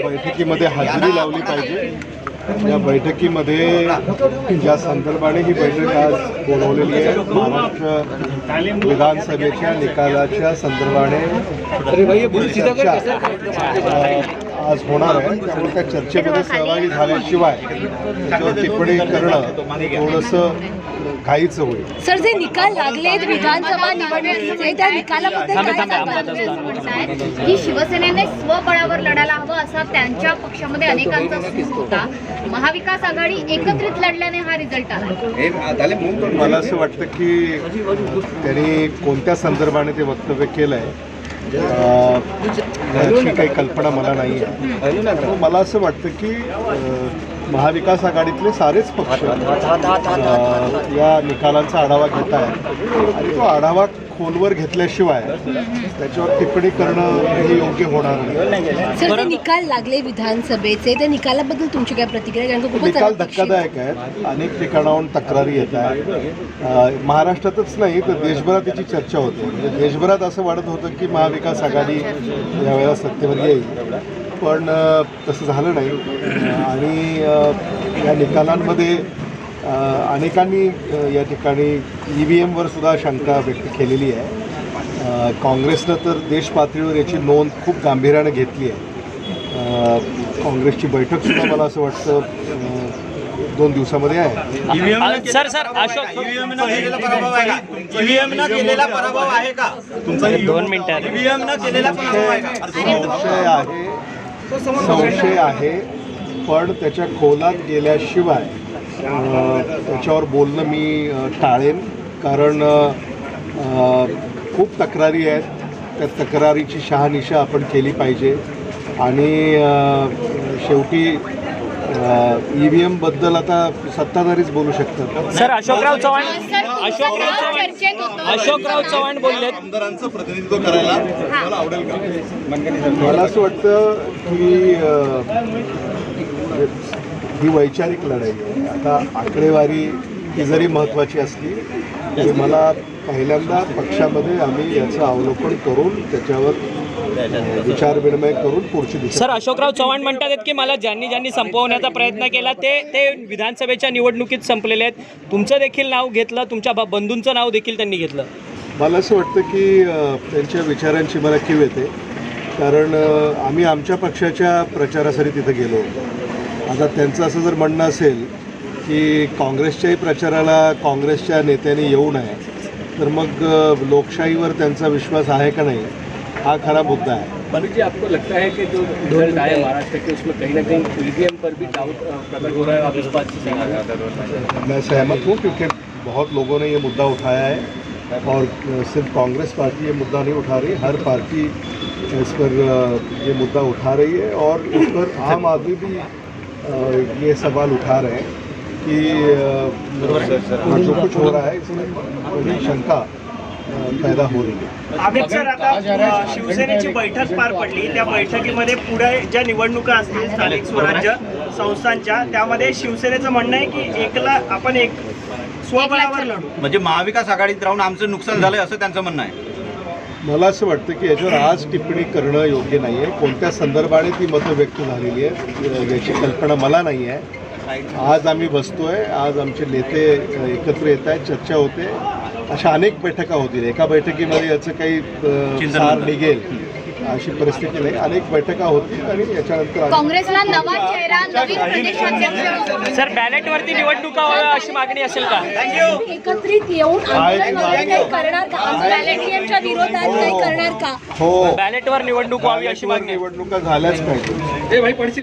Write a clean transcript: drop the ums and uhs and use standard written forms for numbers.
बैठकीमध्ये हजेरी लावली पाहिजे। या बैठकीमध्ये ज्या संदर्भाने ही बैठक आज बोलवलेली आहे, महाराष्ट्र विधानसभेच्या निकालाच्या संदर्भाने आज होणार आहे। त्यामुळे त्या चर्चेमध्ये सहभागी झाल्याशिवाय त्याच्यावर टिप्पणी करणं थोडंसं घाईचं होईल। सर, जे निकाल लागलेत विधानसभा निवडणुकीचे, त्या निकालाबद्दल काय की शिवसेनेने स्वबळावर लढायला हवं असा त्यांच्या पक्षामध्ये अनेकांचा सूर होता। महाविकास आघाडी एकत्रित लढल्याने हा रिझल्ट आला। मला असं वाटतं की त्यांनी कोणत्या संदर्भाने ते वक्तव्य केलं आहे याची काही कल्पना मला नाही आहे। मला असं वाटतं की महाविकास आघाडीतले सारेच पक्ष या निकालांचा आढावा घेत आहेत आणि तो आढावा खोलवर घेतल्याशिवाय त्याच्यावर टिप्पणी करणं हे योग्य होणार नाही। सर, ते निकाल लागले विधानसभेचे, त्या निकालाबद्दल तुमची काय प्रतिक्रिया? निकाल धक्कादायक आहेत, अनेक ठिकाणाहून तक्रारी येत आहेत। महाराष्ट्रातच नाही तर देशभरात त्याची चर्चा होते। म्हणजे देशभरात असं वाटत होतं की महाविकास आघाडी यावेळेला सत्तेवर येईल, पण तसं झालं नाही आणि या निकालांमध्ये अनेकांनी या ठिकाणी EVMवर सुद्धा शंका व्यक्त केलेली आहे। काँग्रेसनं तर देश पातळीवर याची नोंद खूप गांभीर्याने घेतली आहे। काँग्रेसची बैठकसुद्धा मला असं वाटतं 2 दिवसामध्ये आहे। सर अशोक ईव्हीएम न केलेला पराभव आहे का तुमचा? 2 मिनिटं ईव्हीएम न केलेला पराभव आहे का? संशय आहे, पण त्याच्या खोलात गेल्याशिवाय त्याच्यावर बोलणं मी टाळेन, कारण खूप तक्रारी आहेत। त्या तक्रारीची शहानिशा आपण केली पाहिजे आणि शेवटी EVMबद्दल आता सत्ताधारीच बोलू शकतात। सर, अशोकराव चव्हाण बोललेत, आमदारांचं प्रतिनिधित्व करायला मला आवडेल का? मला असं वाटतं की ही वैचारिक लढाई आहे। आता आकडेवारी ही जरी महत्त्वाची असली तरी मला पहिल्यांदा पक्षामध्ये आम्ही याचं अवलोकन करून त्याच्यावर विचारविनिमय करून पुढची दिशा। सर, अशोकराव चव्हाण म्हणतात की मला ज्यांनी संपवण्याचा प्रयत्न केला ते विधानसभेच्या निवडणुकीत संपलेले आहेत। तुमचं देखील नाव घेतलं, तुमच्या बंधूंचं नाव देखील त्यांनी घेतलं। मला असं वाटतं की त्यांच्या विचारांची मला कीव येते, कारण आम्ही आमच्या पक्षाच्या प्रचारासाठी तिथं गेलो होतो। आता त्यांचं असं जर म्हणणं असेल की काँग्रेसच्याही प्रचाराला काँग्रेसच्या नेत्यांनी येऊ नये, तर मग लोकशाहीवर त्यांचा विश्वास आहे का नाही हा खरा मुद्दा है। पर जी आपको लगता है कि जो रिजल्ट आया महाराष्ट्र के उसमें कहीं ना कहीं EVM पर भी डाउट प्रकट हो रहा है? आप इस बात से सहमत? मैं सहमत हूँ, क्योंकि बहुत लोगों ने ये मुद्दा उठाया है और सिर्फ कांग्रेस पार्टी ये मुद्दा नहीं उठा रही, हर पार्टी इस पर ये मुद्दा उठा रही है और इस पर आम आदमी भी ये सवाल उठा रहे हैं कि जो कुछ हो रहा है इसमें बड़ी शंका पैदा हो रही है। अमित सर, आता शिवसेनेची बैठक पार पडली, त्या बैठकीमध्ये पुढे ज्या निवडणुका असतील स्थानिक स्वराज्य संस्थांच्या, त्यामध्ये शिवसेनेचं म्हणणं आहे की आपण स्वबळावर लढू, म्हणजे महाविकास आघाडीत राहून आमचं नुकसान झालंय असं त्यांचं म्हणणं आहे। मला असं वाटतं की याच्यावर आज टिप्पणी करणं योग्य नाही आहे। कोणत्या संदर्भाने ती मतं व्यक्त झालेली आहे याची कल्पना मला नाही आहे। आज आम्ही बसतोय, आज आमचे नेते एकत्र येत आहेत, चर्चा होते, अशा अनेक बैठका होतील। एका बैठकीमध्ये याचं काही सार निघेल अशी परिस्थिती नाही, अनेक बैठका होतील आणि याच्यानंतर काँग्रेसला नवा चेहरा, नवीन प्रदेशाध्यक्ष। सर, बॅलेटवरती निवडणुका व्हाव्या अशी मागणी असेल का? एकत्रित येऊन आंदोलन वगैरे काही करणार का? EVMच्या विरोधात काही करणार का? हो, बॅलेटवर निवडणूक व्हावी अशी मागणी. निवडणुका झाल्याच पाहिजे।